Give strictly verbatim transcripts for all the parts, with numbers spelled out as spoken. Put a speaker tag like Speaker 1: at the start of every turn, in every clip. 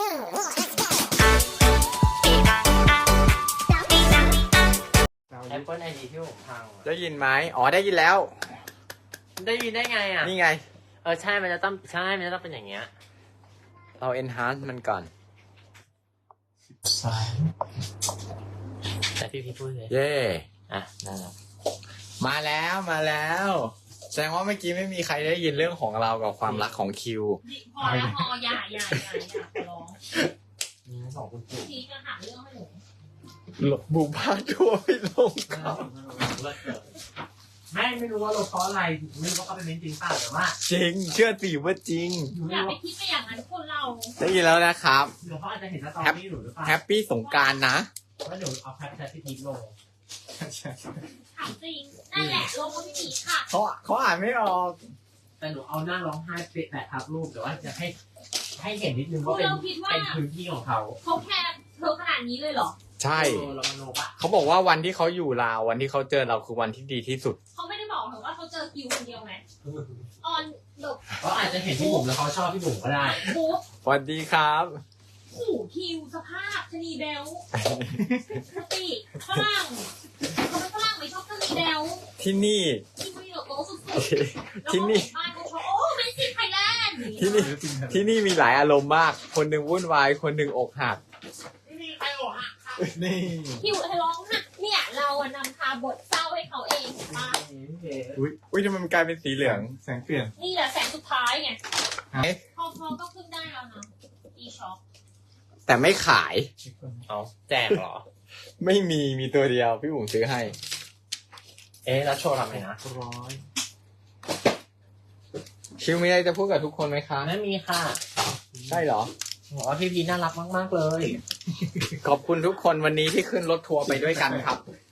Speaker 1: Apple ไอ ดี ที่ผมพังอะ
Speaker 2: ได้ยินไหมอ๋อได้ยินแล้ว
Speaker 1: ได้ยินได้ไงอ่ะ
Speaker 2: นี่ไง
Speaker 1: เออใช่มันจะต้องใช่มันจะต้องเป็นอย่างเงี้ย
Speaker 2: เรา enhance มันก่อน
Speaker 1: แต่พี่พี่พูดเลย
Speaker 2: เย่
Speaker 1: อ่ะนั่นแหละ
Speaker 2: มาแล้วมาแล้วแสดงว่าเมื่อกี้ไม่มีใครได้ยินเรื่องของเรากับความรักของคิว
Speaker 3: พอแล้วพออย่าอย่าอย่าอย่าขอร้อง
Speaker 1: มีสองคุณปู่
Speaker 3: ทีจะหาเรื่องให้หนู
Speaker 2: บุกบ้านทั่วไม่ลงเขา
Speaker 1: ไม่ไม่รู้ว่าเราเพราะอะไรไม่รู้ว่าเขาเป็นเม้นจริงเปล่าแต่ว่า
Speaker 2: จริง เชื่อสิว่าจริง
Speaker 3: อย่าไปคิดไปอย่างนั้นคนเรา
Speaker 2: ได้ยินแล้วนะครับ
Speaker 1: เดี๋ยวเขาอาจจะเห็นสตอรี่หนูหรือเปล่า
Speaker 2: แฮปปี้สงกรานต์นะ
Speaker 1: ว่าเดี๋ยวเอาแคปแชทที่ทีลง
Speaker 3: ถามจริงนั่นแหละลงมาพี่หมีค่ะ
Speaker 2: เขาเขาอ่านไม่ออก
Speaker 1: แต่หนูเอาหน้าร้องไห้เปะแปะทับรูปแต่ว่าจะให้ให้เห็นนิดนึงว่าเป็น
Speaker 3: เราคิดว่า
Speaker 1: เป็นพื้นที่ของเขา
Speaker 3: เขาแค่เธอขนาดนี้เลยเหรอ
Speaker 2: ใช่
Speaker 1: เออเรามโนปะ
Speaker 2: เขาบอกว่าวันที่เขาอยู่ลาววันที่เขาเจอเราคือวันที่ดีที่สุด
Speaker 3: เขาไม่ได้บอกหรอกว่าเขาเจอคิวคนเดียวไหมออนหลบ
Speaker 1: เขาอาจจะเห็นพี่บุ๋มแล้วเขาชอบพี่บุ๋มก็ได้
Speaker 3: ปุ๊บ
Speaker 2: สวัสดีครับ
Speaker 3: ขู่คิวสภาพชะนีเบลสติฝรั่งเขาเป็นฝรั่งไม่ชอบชะนีเบล
Speaker 2: ที่นี่
Speaker 3: ที่มีโลโก้สุดๆ
Speaker 2: ที่นี่
Speaker 3: บ้านเขาชอบโอ้เมสซี่ไทยแลนด์
Speaker 2: ที่นี่ที่นี่มีหลายอารมณ์มาก คนหนึ่งวุ่นวายคนหนึ่งอกหัก
Speaker 1: ไม่มีใครอกหักค่ะ
Speaker 2: นี่
Speaker 3: คิวร้องหักเนี่ยเราอะนำพาบทเศร้าให้เขาเองมา
Speaker 2: อุ้ยอุ้ยทำไมมันกลายเป็นสีเหลือง
Speaker 4: แสงเปลี่ยน
Speaker 3: นี่แหละแสงสุดท้ายไง
Speaker 2: เอ๊ะ
Speaker 3: พอพอก็ขึ้นได้แล้วนะอีช็อป
Speaker 2: แต่ไม่ขาย
Speaker 1: เอาแจกเหรอ
Speaker 2: ไม่มีมีตัวเดียวพี่บุ๋มซื้อให้
Speaker 1: เอ๊ะแล้วโชว์ทำไมนะ
Speaker 4: ร้อย
Speaker 2: คิวมีอะไรจะพูดกับทุกคนไหมคะ
Speaker 1: ไม่มีค่ะ
Speaker 2: ใช่เหรอ
Speaker 1: บอกว่าพี่พีน่ารักมากๆเลย
Speaker 2: ขอบคุณทุกคนวันนี้ที่ขึ้นรถทัวร์ไปด้วยกันครับ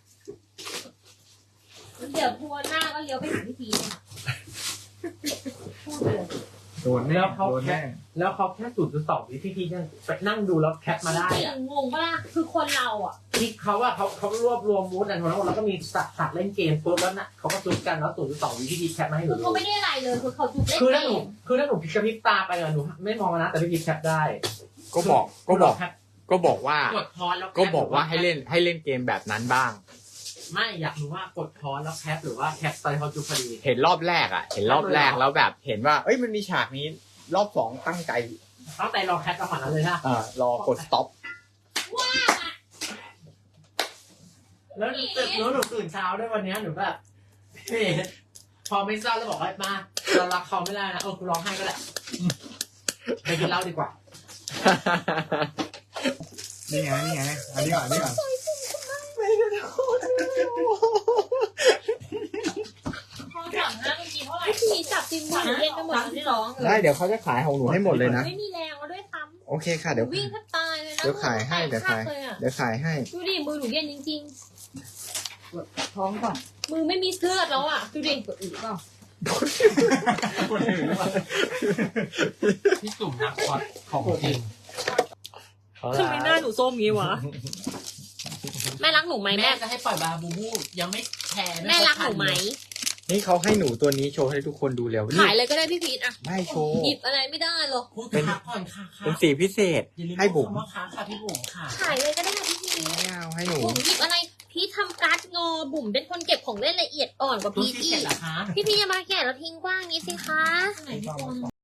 Speaker 3: เดี๋ยวทัวร์หน้าก็เลี้ยวไปหาพี่พีเนี่ยพูดเลย
Speaker 4: โดนแน่โดนแน่
Speaker 1: แล้วเขาแค่ศูนย์จุดสองวิพี่พียังไปนั่งดูแล้วแคปมาได้
Speaker 3: จริ
Speaker 1: อะ
Speaker 3: งงงปะล่ะคือคนเราอ่ะ
Speaker 1: ที่เขาอะเขาเขารวบรวมมูดอันทั้งหมดแล้วก็มีสัตว์สัตว์เล่นเกมปุ๊บแล้วน่ะเขาก็จุดกันแล้วศูนย์จุดสองวิพี่พีแคปมาให้หนู
Speaker 3: คือ
Speaker 1: ดู
Speaker 3: เขาไม่ได้อะไรเลยคือเขาจุดเล่น
Speaker 1: คือ
Speaker 3: เอ
Speaker 1: ถ้าหนู
Speaker 3: ง
Speaker 1: คือถ้าหนูพิกระพริบตาไปอะหนูไม่มองนะแต่พี่พีแคปได้
Speaker 2: ก็บอกก็บอก
Speaker 1: แคป
Speaker 2: ก็บอกว่า
Speaker 1: กดพอสแล้วแคป
Speaker 2: ก็บอกว่าให้เล่นให้เล่นเกมแบบนั้นบ้าง
Speaker 1: ไม่อยากรู้ว่ากดพอสแล้วแคปหรือว่าแคปตอนเขาจุดพอดี
Speaker 2: เห็นรอบแรกอ่ะ เห็นรอบแรกแล้วแบบ เห็นว่า เอ้ยมันมีฉากนี้ รอบสองตั้งใจ
Speaker 1: ตั้งใจรอแคปจังหวะนั้นเลยนะ
Speaker 2: อ่ารอกด stop
Speaker 3: ว่าอะ
Speaker 1: แล้วหนูตื่นแล้วหนูตื่นเช้าด้วยวันเนี้ยหนูแบบเฮ้ยพอไม่เศร้าแล้วบอกว่ามาเรารักเขาไม่ได้นะเออกูร้องไห้ก็ได้ไปกินเหล้าดีกว่า
Speaker 4: นี่ไงนี่ไงอันนี้ก่อนอันนี้ก่อน
Speaker 3: พอสั่งห้าเมื่อกี้เท่าไหร่พี่พีจับจริงมือเล่นไปหมดที่ร้องเล
Speaker 2: ได้
Speaker 3: ย
Speaker 2: เดี๋ยวเขาจะขายของหนูให้หมดเลยนะ
Speaker 3: ไม่มีแรงแล้วด้วยซ้
Speaker 2: โอเคค่ะ
Speaker 3: ำ
Speaker 2: เดี๋ยว
Speaker 3: วิ่งแทบตายเลยนะ
Speaker 2: เดี๋ยวขายให้เดี๋ยวขาย
Speaker 3: เลยอะ
Speaker 2: เดี๋ยวขายให้
Speaker 3: ดูดิมือหนูเย็นจริง
Speaker 5: ท้องก่อน
Speaker 3: ๆ มือไม่มีเลือดแล้วอ่ะดูดิ
Speaker 5: กดอีกเปล่า
Speaker 4: คนอื่นหรือเปล่า
Speaker 1: พี่ตุ่มนักคอดของจริง
Speaker 3: ทำไมหน้าหนูส้มงี้วะ แม่รักหนูไหม
Speaker 1: แม่
Speaker 3: แม่
Speaker 1: จะให้ปล่อยบาบูบูยังไม่แชร์
Speaker 3: แม่รักหนูไหม
Speaker 2: นี่เขาให้หนูตัวนี้โชว์ให้ทุกคนดูเร็วนี่
Speaker 3: ขายเลยก็ได้พี่พีทอะ
Speaker 2: ไม่โชว์
Speaker 3: หยิบอะไรไม่ได้หรอก
Speaker 1: พูดค้าก่อนค่ะค่ะ
Speaker 2: เป็นสีพิเศษ
Speaker 1: อย่าลืม
Speaker 2: ให้บุ๋ม
Speaker 1: คำว่าค้าค่ะพี่บุ๋มค่ะ
Speaker 3: ขายเลยก็ได้ค่ะพี่พีท
Speaker 2: ไม่เอาให้หนู
Speaker 3: บุ๋มหยิบอะไร พี่ทำการ์ดงอบุ๋มเป็นคนเก็บของเล่นละเอียดอ่อนกว่า
Speaker 1: รู้
Speaker 3: พีท
Speaker 1: ที่
Speaker 3: อี
Speaker 1: เสร็จ
Speaker 3: ก
Speaker 1: เหรอคะ
Speaker 3: พี่พีอย่ามาแกะแล้วทิ้งกว้างงี้สิคะ
Speaker 1: ไหนพี่บุ๋ม